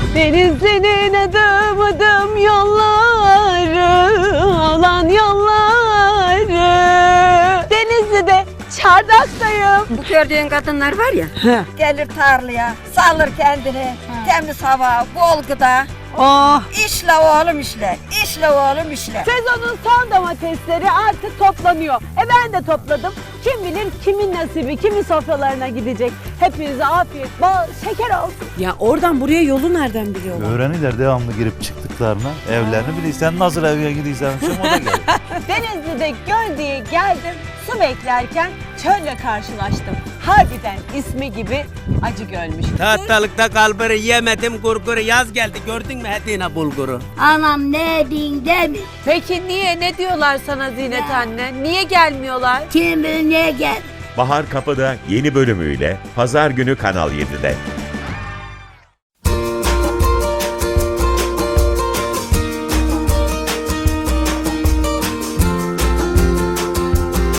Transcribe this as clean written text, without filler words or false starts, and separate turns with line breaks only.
Denizli'nin adım adım yolları, alan yolları. Denizli'de çardaktayım.
Bu gördüğün kadınlar var ya, gelir tarlaya, salır kendini, temiz hava, bol gıda.
Oh.
İşle oğlum işle, işle oğlum işle.
Sezonun son domatesleri artık toplanıyor. Ben de topladım. Kim bilir kimin nasibi, kimin sofralarına gidecek. Hepinize afiyet, bol şeker olsun.
Ya oradan buraya yolu nereden biliyorlar?
Öğrenirler devamlı girip çıktıklarına. Evlerini bilirsen nasıl eve gidiyorsan o da gelir.
Denizli'de göl diye geldim. Su beklerken çölle karşılaştım. Harbiden ismi gibi acı gölmüş.
Tahtalıkta kalburu yemedim gurguru, yaz geldi gördün mü Hedine bulguru?
Anam ne din demiş,
Peki niye? Ne diyorlar sana Zinet anne? Niye gelmiyorlar?
kim bilir niye gel.
Bahar Kapı'da yeni bölümüyle Pazar günü Kanal 7'de.